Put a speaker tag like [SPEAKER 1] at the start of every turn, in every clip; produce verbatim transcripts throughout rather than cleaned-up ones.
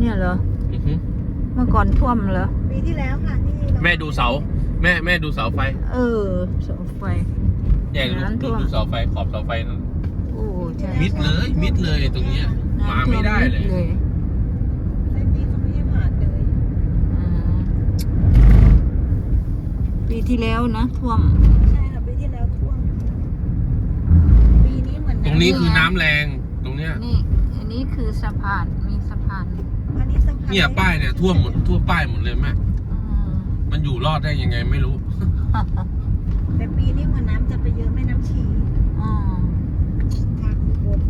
[SPEAKER 1] เนี่ยเหรอ
[SPEAKER 2] อือฮึ
[SPEAKER 1] เมื่อก่อนท่วมเหรอ
[SPEAKER 3] ปีที่แล้วค่ะที่เรา
[SPEAKER 2] แม่ดูเสา แม่แม่ดูเสาไฟ
[SPEAKER 1] เออเสาไฟ
[SPEAKER 2] เนี่ยดู
[SPEAKER 1] น้ำท่
[SPEAKER 2] ดู
[SPEAKER 1] วม
[SPEAKER 2] ดูเสาไฟขอบเสาไฟนั่น
[SPEAKER 1] โอ้ใช่
[SPEAKER 2] มิดเลยมิดเลยตรงเนี้ยมาไม่ได้เลย
[SPEAKER 1] น้ำท่วมมิด
[SPEAKER 3] เส้นนี้เขาไม่ให้ผ่านเลย
[SPEAKER 1] อืมปีที่แล้วนะท่วม
[SPEAKER 3] ใช่ค่ะปีที่แล้วท่วมปีนี้เหมือน
[SPEAKER 2] ตรงนี้คือน้ำแรงตรงเนี้ย
[SPEAKER 1] นี่ อันนี้คือสะพาน มีสะพาน
[SPEAKER 3] อันนี้สะพาน
[SPEAKER 2] เนี่ยป้ายเนี่ยท่วมหมดทั่วป้ายหมดเลยแม่
[SPEAKER 1] อืม
[SPEAKER 2] มันอยู่รอดได้ยังไงไม่รู้
[SPEAKER 3] แต่ปีนี้เหมือนน้ำจะไปเยอะแม่น้ำชี
[SPEAKER 1] อืม
[SPEAKER 3] ทางอุบล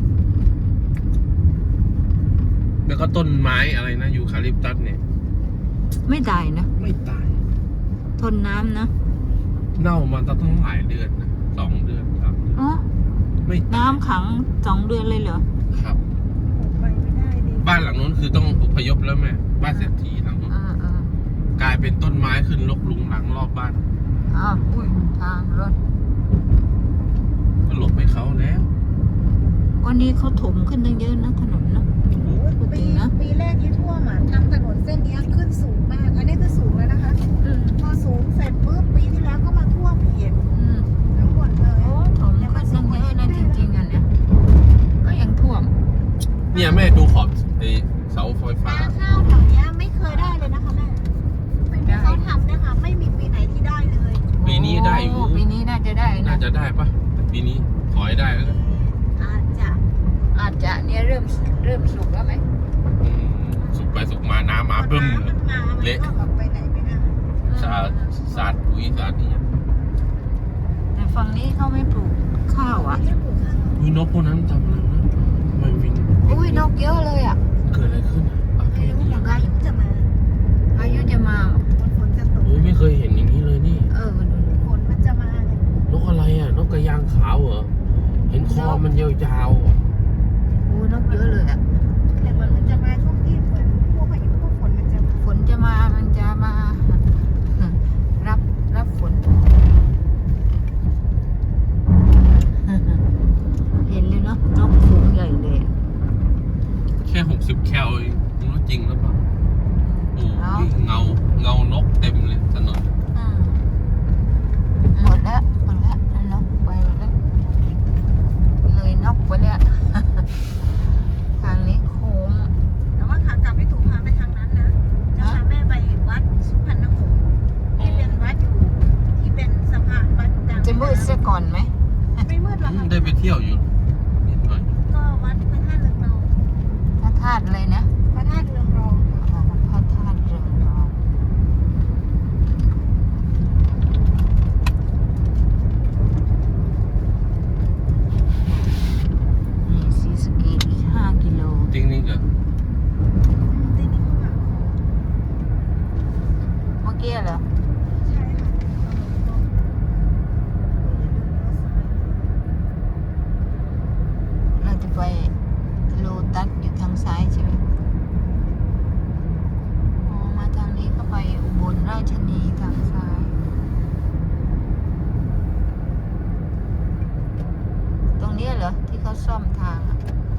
[SPEAKER 2] แล้วก็ต้นไม้อะไรนะยูคาลิปตัสเนี่ย
[SPEAKER 1] ไม่ตายนะ
[SPEAKER 2] ไม่ตาย
[SPEAKER 1] ทนน้ำนะ
[SPEAKER 2] เน่ามาตั้งหลายเดือนนะสองเดือนสามเดือน
[SPEAKER 1] อ๋อ
[SPEAKER 2] ไม่ตาย
[SPEAKER 1] น้ำขังสองเดือนเลยเหรอ
[SPEAKER 2] ครับ
[SPEAKER 3] โอ้ไปไม่ได้ดิ
[SPEAKER 2] บ้านหลังนู้นคือต้องอพยพแล้วแม่บ้านเศรษฐีหลังนู้น
[SPEAKER 1] เออเออก
[SPEAKER 2] ลายเป็นต้นไม้ขึ้นรกลุงหลังรอบบ้าน
[SPEAKER 1] อ้าวอุ้ยทางรถ
[SPEAKER 2] ก็หลบให้เขาแล้ว
[SPEAKER 1] วันนี้เขาถมขึ้นตั้งเยอะนะถนนนะ
[SPEAKER 2] โอ้โห
[SPEAKER 3] โอ้ยปีปีแรกที่ท่วมอ่ะทำถนนเส้นนี้ขึ้นสูงมาก อันนี้คือสูงแล้วนะคะ
[SPEAKER 1] อืม
[SPEAKER 3] พอสูงเสร็จปุ๊บปีที่แล้วก็มาท่วมอีก
[SPEAKER 1] อืม
[SPEAKER 3] ทั้งหมดเลย
[SPEAKER 1] โอ้ถมขึ้นตั้งเยอะนะจริงๆอ่ะเนี่ยก็ยังท่วม
[SPEAKER 2] เนี่ยแม่ดูขอบไอ้เสาไฟฟ้า
[SPEAKER 3] นาข้าวแถวเนี้ยไม่เคยได้เลยนะคะแม่
[SPEAKER 1] ไม่ได้
[SPEAKER 3] เขาทำนะคะไม่มีปีไหนที่ได้เลย
[SPEAKER 2] ปีนี้ได้อยู่
[SPEAKER 1] โปีนี้น่าจะได้นะ
[SPEAKER 2] น่าจะได้ปะแต่ปีนี้ขอให้ได้แล้วกัน
[SPEAKER 3] อาจจะ
[SPEAKER 1] อาจจะเนี่ยเริ่มเริ่มสุกแล้วไหม
[SPEAKER 2] อืมสุกไปสุกมาน้ำมาบึ้ม
[SPEAKER 3] น้ำมันมามัน
[SPEAKER 2] เละ
[SPEAKER 3] ก็แบบไปไหนไม่ได้
[SPEAKER 2] สาดสาดปุ๋ยสาดนี่
[SPEAKER 1] แต่ฝั่งนี้เขาไม่ปลูกข้าวอ่ะ
[SPEAKER 3] ไม่ได้ปลูกข้าว
[SPEAKER 2] มีนกพวกนั้นจำแล้วนะทำไมวิน
[SPEAKER 1] อุ้ยนกเยอะเลยอ่ะ
[SPEAKER 2] เกิดอะไรขึ้นอ่ะอ่ะ
[SPEAKER 3] ไม่รู้เหมือนกันจะมา
[SPEAKER 1] พายุจะมา
[SPEAKER 3] ฝนจะตก
[SPEAKER 2] โอ้ยไม่เคยเห็นอย่างนี้เลยนี่
[SPEAKER 1] เออดูดู
[SPEAKER 3] ฝนมันจะมาเลย
[SPEAKER 2] นกอะไรอ่ะ นกกระยางขาวเหรอ เห็นคอมันยาวๆอ่ะ
[SPEAKER 1] โอ้นกเยอะเลยอ่ะ
[SPEAKER 3] แต่เหมือนมันจะมาช่วงที่เหมือนพวกพายุพวกฝนมันจะมา
[SPEAKER 1] ฝนจะมา มันจะมา รับรับฝน เห็นเลยเนาะนกฝูงใหญ่เลยอะ
[SPEAKER 2] แค่หกสิบแคลเองไม่รู้จริงหรือเปล่าโอ้ยเงาเงานกเต็มเลยถนน
[SPEAKER 1] อืมหมดแล้วหมดแล้วนกไปหมดแล้วเลยนกไปแล้ว ทางนี้โค้ง
[SPEAKER 3] แต่ว่าขากลับไม่ถูกพาไปทางนั้นนะจะพาแม่ไปวัดสุพรรณหงส์ที่เป็นวัดอยู่ที่เป็นสะพานวัดกลาง
[SPEAKER 1] จะมืดซะก่อนไหม
[SPEAKER 3] ไม่มืดหรอก
[SPEAKER 2] อืม
[SPEAKER 3] ค่ะ
[SPEAKER 2] ได้ไปเที่ยวอยู่นิดหน่อย
[SPEAKER 3] ก็วัดพระธาตุเรืองรอง
[SPEAKER 1] พระธาตุเลยนะ
[SPEAKER 3] พระธาตุเรืองรอง
[SPEAKER 1] อ๋อพระธาตุเรืองรองนี่ศรีสะเกษอีกห้ากิโล
[SPEAKER 2] จริงนี่ก็
[SPEAKER 3] ที่นี่เขาหา
[SPEAKER 1] เมื่อกี้เหรอ
[SPEAKER 3] ใช่ค่ะ
[SPEAKER 1] เราจะไปโลตัสอยู่ทางซ้ายใช่ไหมอ๋อมาทางนี้ก็ไปอุบลราชธานีทางซ้าย ตรงนี้เหรอที่เขาซ่อมทางอะ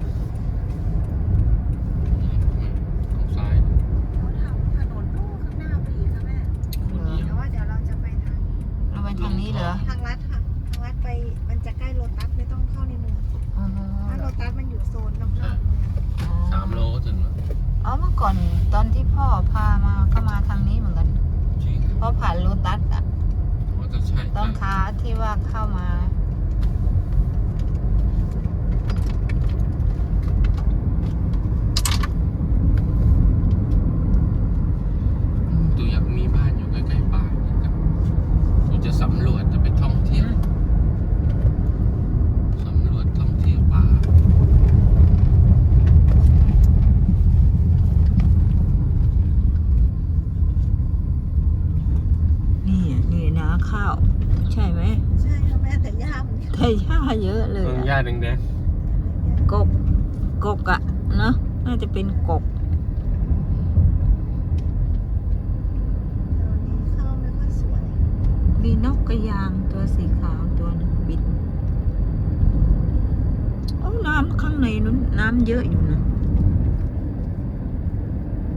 [SPEAKER 2] ทางซ้าย
[SPEAKER 3] เขาทำถนนลู่ข้างหน้าไปอีกค่ะแม่
[SPEAKER 2] คนเดียว
[SPEAKER 3] แต่ว่าเดี๋ยวเราจะไปทาง
[SPEAKER 1] เราไปทางนี้เหรอ
[SPEAKER 3] ทางลัดค่ะ ทางลัดไปมันจะใกล้โลตัสไม่ต้องเข้าในเมือง
[SPEAKER 1] อ๋อ
[SPEAKER 3] ถ้าโลตัสมันอยู่โซนนอกๆเมือง
[SPEAKER 2] สามโลก็ถึงแล้ว
[SPEAKER 1] อ๋อเมื่อก่อนตอนที่พ่อพามาก็มาทางนี้เหมือนกัน
[SPEAKER 2] จริง
[SPEAKER 1] เพราะผ่านโลตัสอะ
[SPEAKER 2] ว่าจะใช่
[SPEAKER 1] ตอน
[SPEAKER 2] ใช่
[SPEAKER 1] ขาที่ว่าเข้ามา
[SPEAKER 2] ตัวอยากมีบ้านอยู่ใกล้ๆป่านี่กับตัวจะสำรวจจะไปท่องเที่ยวสำรวจท่องเที่ยวป่า
[SPEAKER 1] นี่อะนี่นาข้าว ใช่ไหม
[SPEAKER 3] ใช่ค่ะแม่แต่ยากเหมือนกัน
[SPEAKER 1] ไทยหญ้าเยอะเลย
[SPEAKER 2] เมือง
[SPEAKER 1] อะ
[SPEAKER 2] ญาติแดง
[SPEAKER 1] กบกกอะเนาะน่าจะเป็นกบ
[SPEAKER 3] เดี๋ยวนี้ข้าวไม่ค่อยสวย
[SPEAKER 1] มีนกกระยางตัวสีขาวตัวหนึงบินโอ้น้ำข้างในนู้นน้ำเยอะอยู่นะ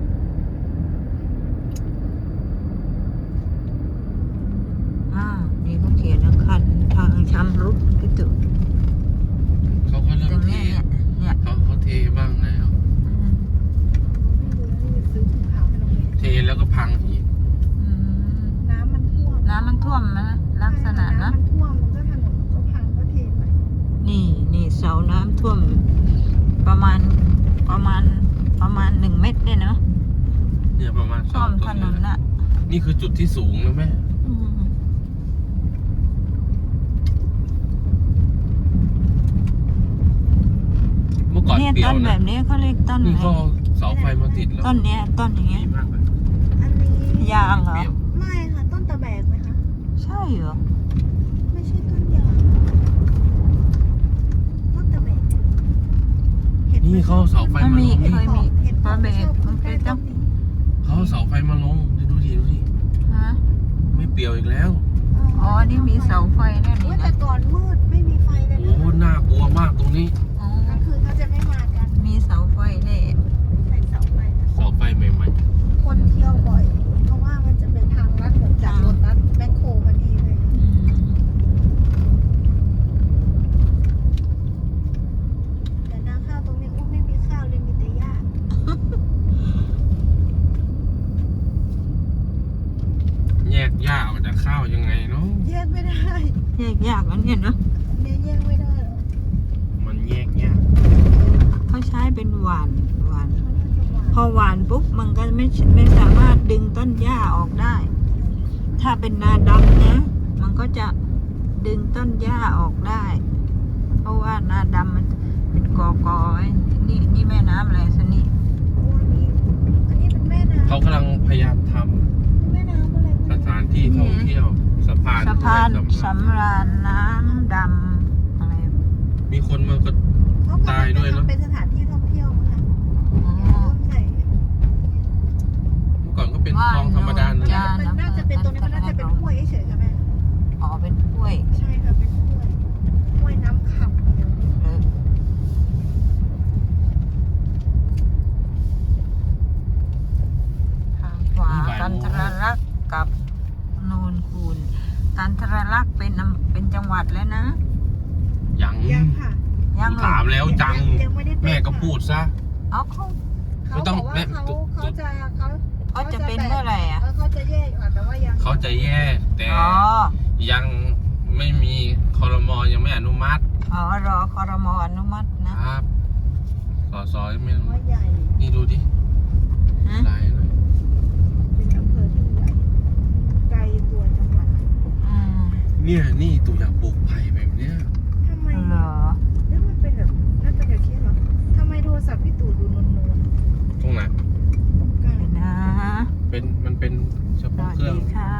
[SPEAKER 2] แล้วก็พังอีก
[SPEAKER 1] อืม
[SPEAKER 3] น้ำมันท่วม
[SPEAKER 1] น้ำมันท่วมนะลักษณะนะ
[SPEAKER 3] น้ำมันท่วมมันก็ถนนมันก็พังก็เทไป
[SPEAKER 1] นี่นี่เสาน้ำท่วม ประมาณประมาณประมาณหนึ่งเมตรเนี่ยเนาะ
[SPEAKER 2] เนี่ยประมาณส
[SPEAKER 1] ท่
[SPEAKER 2] อ
[SPEAKER 1] ว
[SPEAKER 2] ง
[SPEAKER 1] ม
[SPEAKER 2] ตัว
[SPEAKER 1] ถนน
[SPEAKER 2] นี้
[SPEAKER 1] น่ะ
[SPEAKER 2] นี่คือจุดที่สูงนะแม่
[SPEAKER 1] อืม
[SPEAKER 2] เมื่อก่อน
[SPEAKER 1] เนี่ย
[SPEAKER 2] เปรีย
[SPEAKER 1] ต้
[SPEAKER 2] วน
[SPEAKER 1] แบ
[SPEAKER 2] นะ
[SPEAKER 1] บนี้เขาเรียกต้น
[SPEAKER 2] นี่
[SPEAKER 1] อะไร
[SPEAKER 2] ก็เสาไฟมาติดแล้ว
[SPEAKER 1] ต้นเนี้ยต้นอย่างเงี้
[SPEAKER 2] ดี
[SPEAKER 1] ย
[SPEAKER 2] มากเลย
[SPEAKER 3] อันนี้
[SPEAKER 1] ยางเหรอ
[SPEAKER 2] เปรี้ยว
[SPEAKER 3] ไม่ค่ะต้นตะแบกไหมคะ
[SPEAKER 1] ใช่เหรอ
[SPEAKER 3] ไม่ใช่ต้นยางต้นตะแบกเห็นไหม
[SPEAKER 2] นี่เขาเอาเสาไฟ
[SPEAKER 1] มัน
[SPEAKER 2] มา
[SPEAKER 1] มี
[SPEAKER 2] ลง
[SPEAKER 1] เคยมี
[SPEAKER 3] เห็น
[SPEAKER 1] ตะแบก
[SPEAKER 3] ชอบ
[SPEAKER 1] มัน
[SPEAKER 3] ใก
[SPEAKER 1] เค
[SPEAKER 3] ล้
[SPEAKER 1] ย
[SPEAKER 3] ต้
[SPEAKER 1] ต้อน ง
[SPEAKER 3] นี้
[SPEAKER 2] เขาเอาเสาไฟมาลงดูดิดูดิ
[SPEAKER 1] ฮะ
[SPEAKER 2] ไม่เปรียวอีกแล้ว
[SPEAKER 1] อ๋อนี่มีเสาไฟแน่นี่
[SPEAKER 3] เว้ยแต่
[SPEAKER 1] นะ
[SPEAKER 3] ก่อนมืดไม่มีไฟเลย
[SPEAKER 2] โอ้
[SPEAKER 3] นะ
[SPEAKER 2] โหน่ากลัวมากตรงนี้
[SPEAKER 1] อ๋อก
[SPEAKER 3] ลางคืนเขาจะไม่มากัน
[SPEAKER 1] มีเสาไฟแน่
[SPEAKER 3] ใส่เสาไฟนะ
[SPEAKER 2] เสาไฟใหม่
[SPEAKER 3] คนเที่ยวบ่อย เพราะว่ามันจะเป็นทางลัดเหมือนจากโรตัสแมคโครมานี่เลย
[SPEAKER 1] อืม
[SPEAKER 3] แต่นาข้าวตรงนี้อุ้มไม่มีข้าวเลยมีแต่หญ้า
[SPEAKER 2] ๆ แยกหญ้าออกจากข้าวยังไงเนาะ
[SPEAKER 3] แยกไม่ได้
[SPEAKER 1] แยกยากอันเนี้ยเนาะ
[SPEAKER 3] เนี่ยแยกไม่ได้หรอก
[SPEAKER 2] มันแยกยาก
[SPEAKER 1] เขาใช้เป็นหวานหวาน
[SPEAKER 3] มันก็จะหวาน
[SPEAKER 1] พอหวานปุ๊บมันก็ไม่ไม่สามารถดึงต้นหญ้าออกได้ ถ้าเป็นนาดำนะ มันก็จะดึงต้นหญ้าออกได้ เพราะว่านาดำมันเป็นกอกอไว้นี่นี่แม่น้ำอะไรสนี่
[SPEAKER 3] โอ้อันนี้อันนี้เป็นแม่น้ำ
[SPEAKER 2] เขากำลังพยายามท
[SPEAKER 3] เป็นแม่น้ำอะไร
[SPEAKER 2] ำสถานที่ท่องเที่ยวสะพาน
[SPEAKER 1] สะพาน
[SPEAKER 2] ด้วยสำคัญ
[SPEAKER 1] สำราญน้ำดำอะไร
[SPEAKER 2] มีคนมาก็
[SPEAKER 3] เขากำลัง
[SPEAKER 2] ตายด้วย
[SPEAKER 3] จะ
[SPEAKER 2] เนอะ
[SPEAKER 3] ทำเป็นสถานที่ท่องเที่ยวมั้งคะ
[SPEAKER 1] อ๋อ
[SPEAKER 3] เริ่มใส่
[SPEAKER 2] เมื่อก่อนก็เป็นคลองธรรมดา
[SPEAKER 1] ว่
[SPEAKER 2] นะ
[SPEAKER 1] ย
[SPEAKER 3] มันน่าจะเป็นตรงนี้มันน่าจะเป็นห้วยเฉยๆค่ะแม่
[SPEAKER 1] อ๋อเป็นกล้วย
[SPEAKER 3] ใช่ค่ะเป็นห้วยห้วยน้ำขับเดี๋ยว
[SPEAKER 1] เออทางขวากันทรลักษณ์กับโนนคูนกันทรลักษณ์เป็นอำเป็นจังหวัดแล้วนะ
[SPEAKER 2] ยัง
[SPEAKER 3] ยังค่ะ
[SPEAKER 1] ยังเหรอ
[SPEAKER 2] ถามแล้วจัง
[SPEAKER 3] ยังไม่ได้เป็น
[SPEAKER 2] แม่ก็พูดซะ
[SPEAKER 1] เอาเขา
[SPEAKER 3] เขา
[SPEAKER 2] ไม่ต้อง
[SPEAKER 3] บอกว่า
[SPEAKER 2] แม่
[SPEAKER 3] เขาเขาจะเขา
[SPEAKER 1] เขาจะเป็นเมื่อไหร่อ่ะ
[SPEAKER 3] เออเขาจะแยกค่ะแต่ว่ายัง
[SPEAKER 2] เขาจะแยกแต่
[SPEAKER 1] อ๋อ
[SPEAKER 2] ยังไม่มีคอรมอยังไม่อนุมัติ
[SPEAKER 1] อ๋อรอคอรมออนุมัตินะครับ
[SPEAKER 2] สอสอยังไม่อนุมั
[SPEAKER 3] ว่า
[SPEAKER 2] ติ
[SPEAKER 3] ใหญ่
[SPEAKER 2] นี่ดูดิ
[SPEAKER 1] ฮะ
[SPEAKER 2] หลายเลย
[SPEAKER 3] เป็นอำเภอที่ใหญ่ไกลตัวจังหวัด
[SPEAKER 1] อืม
[SPEAKER 2] เนี่ยนี่ตัวอย่างปลูกไผ่แบบเนี้ย
[SPEAKER 3] ทำไม
[SPEAKER 1] เหรอ
[SPEAKER 3] เรื่องมันเป็นแบบน่าจะแบบนี้เหรอทำไมโทรศัพท์พี่ตู่ดูนวล
[SPEAKER 2] ตรงไหน
[SPEAKER 3] ๆตรงกลาง
[SPEAKER 1] เดี๋ยวนะ
[SPEAKER 2] เป็นมันเป็นเฉ
[SPEAKER 1] ส
[SPEAKER 2] พาะ
[SPEAKER 1] วัส
[SPEAKER 2] เครื่อง
[SPEAKER 1] ดีค่ะ